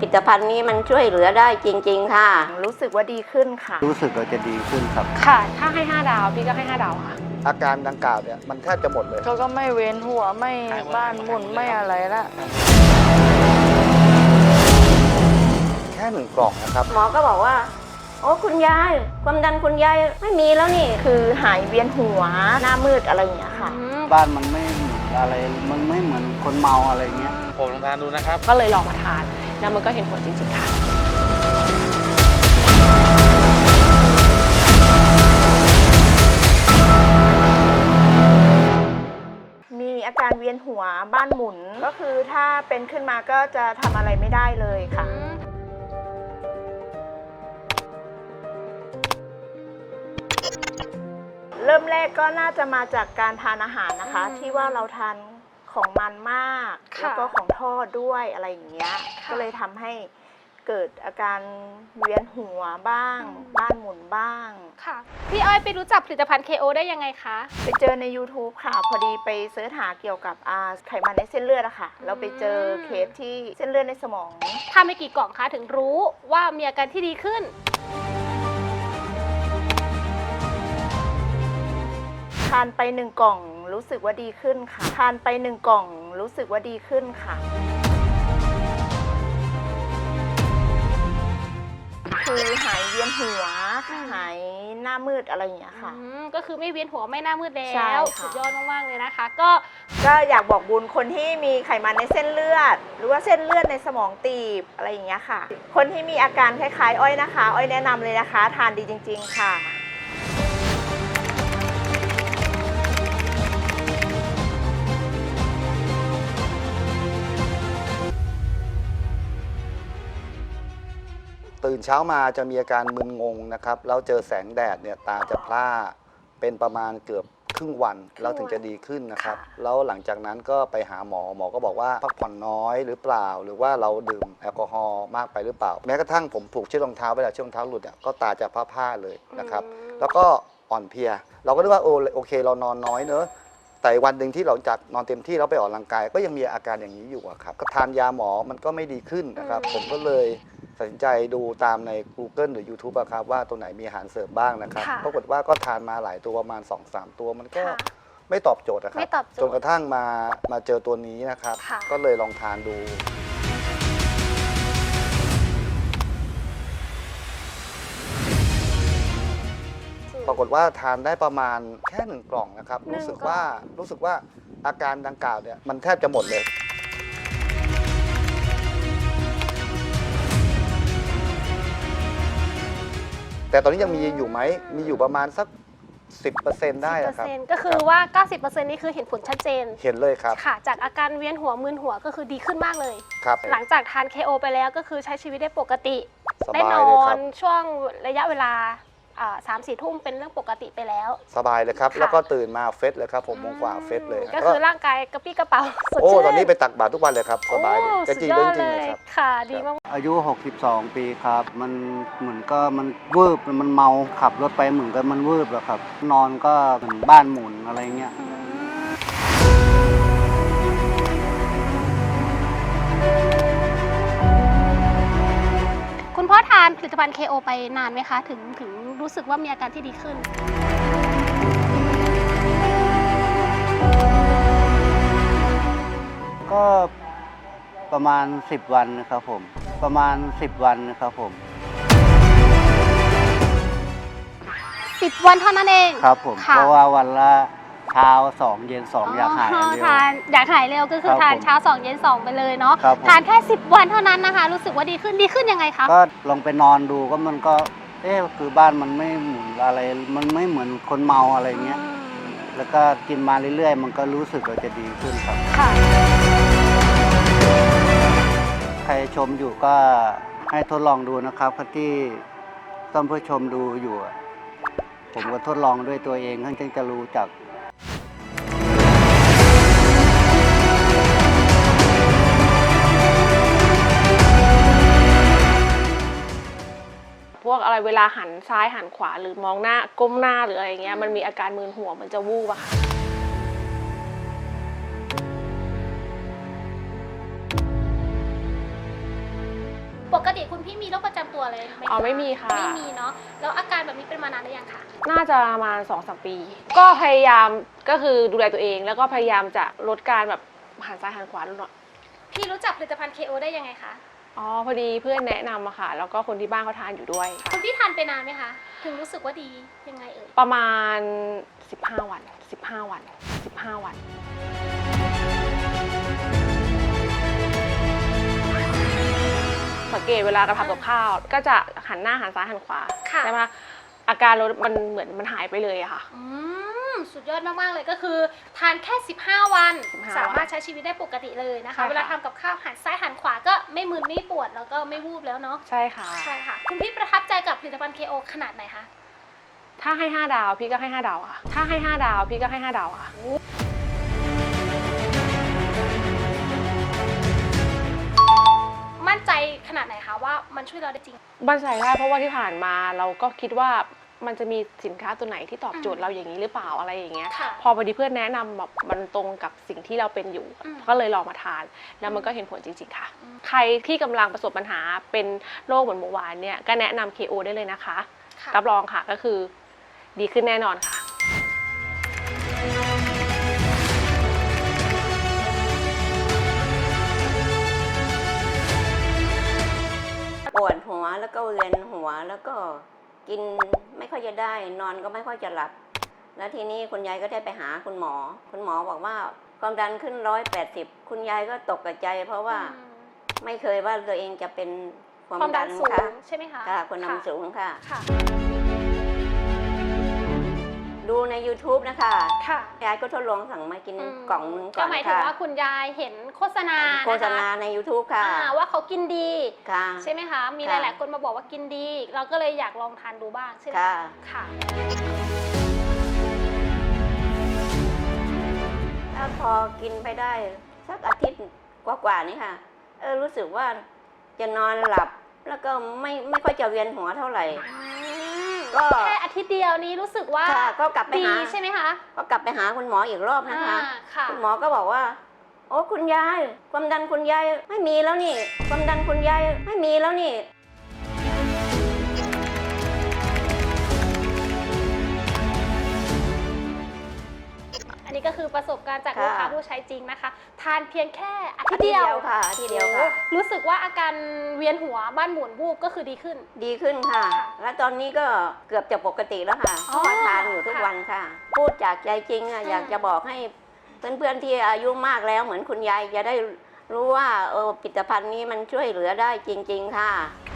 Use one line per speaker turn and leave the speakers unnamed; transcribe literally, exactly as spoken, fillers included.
ตภัณฑ์นี้มันช่วยเหลือได้จริงๆค่ะ
รู้สึกว่าดีขึ้นค่ะ
รู้สึกว่าจะดีขึ้นครับ
ค่ะถ้าให้ห้าดาวพี่ก็ให้ห้าดาวค่ะ
อาการดังกล่าวเนี่ยมันแทบจะหมดเลย
เขาก็ไม่เว้นหัวไม่บ้านหมุนไม่อะไรละ
แค่หนึ่งกล่องนะครับ
หมอก็บอกว่าโอ้คุณยายความดันคุณยายไม่มีแล้วนี่
คือหายเวียนหัวหน้ามืดอะไรอย่างเงี้ยค่ะ
บ้านมันไม่เหมือนอะไรมันไม่เหมือนคนเมาอะไรเงี้ย
ผมลองทานดูนะครับ
ก็เลยลองมาทานแล้วมันก็เห็นผลจริงๆค่ะ
มีอาการเวียนหัวบ้านหมุนก็คือถ้าเป็นขึ้นมาก็จะทำอะไรไม่ได้เลยค่ะเริ่มแรกก็น่าจะมาจากการทานอาหารนะคะที่ว่าเราทานของมันมากแล้วก็ของทอดด้วยอะไรอย่างเงี้ยก็เลยทำให้เกิดอาการเวียนหัวบ้างบ้านหมุนบ้าง
ค่ะพี่อ้อยไปรู้จักผลิตภัณฑ์ เค โอ ได้ยังไงคะ
ไปเจอใน ยูทูบ ค่ะพอดีไปเสิร์ชหาเกี่ยวกับไขมันในเส้นเลือดอะค่ะเราไปเจอเคสที่เส้นเลือดในสมอง
ทำไปกี่กล่องคะถึงรู้ว่ามีอาการที่ดีขึ้น
ทานไปหนึ่งกล่องรู้สึกว่าดีขึ้นค่ะทานไปหนึ่งกล่องรู้สึกว่าดีขึ้นค่ะคือหายเวียนหัวหายหน้ามืดอะไรอย่างเงี้ยค่ะ
ก็คือไม่เวียนหัวไม่หน้ามืดแล้วสุดยอดมากๆเลยนะคะก็
ก็อยากบอกบุญคนที่มีไขมันในเส้นเลือดหรือว่าเส้นเลือดในสมองตีบอะไรอย่างเงี้ยค่ะคนที่มีอาการคล้ายๆอ้อยนะคะอ้อยแนะนำเลยนะคะทานดีจริงๆค่ะ
ตื่นเช้ามาจะมีอาการมึนงงนะครับแล้วเจอแสงแดดเนี่ยตาจะพร่าเป็นประมาณเกือบครึ่งวันแล้วถึงจะดีขึ้นนะครับแล้วหลังจากนั้นก็ไปหาหมอหมอก็บอกว่าพักผ่อนน้อยหรือเปล่าหรือว่าเราดื่มแอลกอฮอล์มากไปหรือเปล่าแม้กระทั่งผมผูกเชือกรองเท้าเวลาเชือกรองเท้าหลุดอ่ะก็ตาจะพร่าๆเลยนะครับแล้วก็อ่อนเพลียเราก็นึกว่าโอโอเคเรานอนน้อยเนอะแต่วันหนึ่งที่เราจากนอนเต็มที่เราไปออกกำลังกายก็ยังมีอาการอย่างนี้อยู่ครับก็ทานยาหมอมันก็ไม่ดีขึ้นนะครับผมก็เลยตัดสินใจดูตามใน กูเกิล หรือ ยูทูบ อะครับว่าตัวไหนมีอาหารเสริมบ้างนะครับปรากฏว่าก็ทานมาหลายตัวประมาณ สองสาม ตัวมันก็ไม่ตอบโจทย์นะครับจนกระทั่งมามาเจอตัวนี้นะครับก็เลยลองทานดูปรากฏว่าทานได้ประมาณแค่หนึ่งกล่องนะครับรู้สึกว่ารู้สึกว่าอาการดังกล่าวเนี่ยมันแทบจะหมดเลยแต่ตอนนี้ยังมีอยู่ไหมมีอยู่ประมาณสัก สิบเปอร์เซ็นต์ ได้ครับ
ก็คือว่า เก้าสิบเปอร์เซ็นต์ นี่คือเห็นผลชัดเจน
เห็นเลยครับ
ค่ะจากอาการเวียนหัวมึนหัวก็คือดีขึ้นมากเลย
ครับ
หลังจากทาน เค โอ ไปแล้วก็คือใช้ชีวิตได้ปกติได้นอนช่วงระยะเวลาสามสี่ทุ่มเป็นเรื่องปกติไปแล้ว
สบายเลยครับแล้วก็ตื่นมาเฟสเลยครับผมมงกว่าเฟสเลย
ก็คือร่างกายกระปี้กระเป๋าสด
ชื่นโอ้
ต
อนนี้ไปตักบาตรทุกวันเลยครับสบาย
กระจีเรื่องจริงเลยครับค่ะดีมาก
อายุหกสิบสองปีครับมันเหมือนก็มันวืบมันเมาขับรถไปเหมือนกันมันวืบแล้วครับนอนก็เหมือนบ้านหมุนอะไรเงี้ย
คุณพ่อทานผลิตภัณฑ์ เค โอ ไปนานไหมคะถึงถึงรู้สึกว่ามีอาการที่ดีขึ้น
ก็ประมาณสิบวันนะครับผมประมาณสิบวันนะครับผม
สิบวันเท่านั้นเอง
ครับผมเพราะว่าวันละเช้าสองเย็นสองอยากหายเร็ว
ทานอยากหายเร็วก็คือทานเช้าสองเย็นสองไปเลยเนาะทานแค่สิบวันเท่านั้นนะคะรู้สึกว่าดีขึ้นดีขึ้นยังไงคะ
ก็ลองไปนอนดูก็มันก็เอ๊ะคือบ้านมันไม่หมุนอะไรมันไม่เหมือนคนเมาอะไรเงี้ยแล้วก็กินมาเรื่อยๆมันก็รู้สึกว่าจะดีขึ้นครับค่ะใครชมอยู่ก็ให้ทดลองดูนะครับที่ต้นผู้ชมดูอยู่ผมก็ทดลองด้วยตัวเองท่านจึงจะรู้จัก
วกอะไรเวลาหันซ้ายหันขวาหรือมองหน้าก้มหน้าหรืออะไรเงี้ยมันมีอาการมึนหัวมันจะวูบอะค่ะกติคุณพี่มีโรคประจำตัวอะไรไหมคะ
อ๋อไม่มีค่ะ
ไม่มีเนาะแล้วอาการแบบนี้เป็นมานานหรือยังคะ
น่าจะประมาณสองสามปี ก็พยายามก็คือดูแลตัวเอง แล้วก็พยายามจะลดการแบบหันซ้ายหันขวาลดหน่อย
พี่รู้จักผลิตภัณฑ์ เค โอ ได้ยังไงคะ
อ๋อพอดีเพื่อนแนะนำอะค่ะ แล้วก็คนที่บ้านเขาทานอยู่ด้วย
คุณพี่ทานไปนานไหมคะถึงรู้สึกว่าดียังไงเอ่ย
ประมาณสิบห้าวันสิบห้าวันสิบห้าวัน สังเกตเวลากระทำกับข้าว ก็จะหันหน้าหันซ้ายหันขวา
ค่ะ
ใช่ไหมอาการรถมันเหมือนมันหายไปเลยอะค่ะ
อืมสุดยอดมากๆเลยก็คือทานแค่สิบห้าวัน
สิบห้า
สามารถใช้ชีวิตได้ปกติเลยนะคะ
ใช่ค่ะ
เวลาทำกับข้าวหันซ้ายหันขวาก็ไม่มึนไม่ปวดแล้วก็ไม่วูบแล้วเนาะ
ใช่ค่ะ
ใช่ค่ะคุณพี่ประทับใจกับผลิตภัณฑ์ เค โอ ขนาดไหนคะ
ถ้าให้ห้าดาวพี่ก็ให้ห้าดาวค่ะ ถ้าให้ห้าดาวพี่ก็ให้ห้าดาวค่ะ
มั่นใจขนาดไหนคะว่ามันช่วยเราได้จริง
มั่นใจได้เพราะว่าที่ผ่านมาเราก็คิดว่ามันจะมีสินค้าตัวไหนที่ตอบโจท
อื
ย์
ม
เราอย่างนี้หรือเปล่าอะไรอย่างเงี้ย
ค่ะ
พอพอดีเพื่อนแนะนำแบบมันตรงกับสิ่งที่เราเป็นอยู่
อืม
ก็เลยลองมาทาน แล้วมันก็เห็นผลจริงๆค่ะ
อืม
ใครที่กำลังประสบปัญหาเป็นโรคเหมือนเมื่อวานเนี่ยก็แนะนำ เค โอ ได้เลยนะคะ
ค่ะ
รับรองค่ะก็คือดีขึ้นแน่นอนค่ะ
ปวดหัวแล้วก็เวียนหัวแล้วก็กินไม่ค่อยจะได้นอนก็ไม่ค่อยจะหลับ แล้วทีนี้คุณยายก็ได้ไปหาคุณหมอ คุณหมอบอกว่าความดันขึ้นร้อยแปดสิบคุณยายก็ตกใจ เพราะว่า
อืม
ไม่เคยว่าตัวเองจะเป็นความ
ความดั
ดั
น
น
สูง
ค่ะ
ใช่ไหมคะ
ค่ะความดันสูงค่ะ
ค่ะ
ดูใน ยูทูบ นะคะ
ค่ะ
ยายก็ทดลองสั่งมากิน
อืม
กล่องหนึงก่
ก็
อน
หมายถึง
ค่ะ
ว่าคุณยายเห็นโฆษณา
โฆษณาใน ยูทูบ ค่ะ
อ่าว่าเขากินดี
ค่ะ
ใช่ไหมคะ มีห
ค่ะ
ลาย ๆ คนมาบอกว่ากินดี เราก็เลยอยากลองทานดูบ้างใช่ไหม
ค่ะ
ค่ะ
แล้วพอกินไปได้สักอาทิตย์กว่าๆนี่ค่ะ เออรู้สึกว่าจะนอนหลับ แล้วก็ไม่ไม่ค่อยจะเวียนหัวเท่าไหร่ ก็
แค่อาทิตย์เดียวนี้รู้สึกว่า
ค่ะก็กลับไป
ดี
หา
ใช่ไหมคะ
ก็กลับไปหาคุณหมออีกรอบนะคะ
อ่าค่ะ
คุณหมอก็บอกว่า โอ้คุณยาย ความดันคุณยายไม่มีแล้วนี่ ความดันคุณยายไม่มีแล้วนี่
อันนี้ก็คือประสบการณ์จาก
ค่ะ
ลูกค้าผู้ใช้จริงนะคะ ทานเพียงแค่อาทิ
อา
ตย์
ทิตย์
เดี
เดี
ย
ยว วค่ะอาทิตย์เดียวค่ะ
รู้สึกว่าอาการเวียนหัวบ้านหมุนวูบก็คือดีขึ้น
ดีขึ้นค่ะ
ค่ะ
แล้วตอนนี้ก็เกือบจะปกติแล้วค่ะเพ
อ๋อ
ราะว่าทานอยู่ทุก
ค่ะ
วันค่ะ พูดจากใจจริงอะ
อืม
อยากจะบอกให้เพื่อนๆที่อายุมากแล้วเหมือนคุณยายจะได้รู้ว่าเออผลิตภัณฑ์นี้มันช่วยเหลือได้จริง ๆ ค่ะ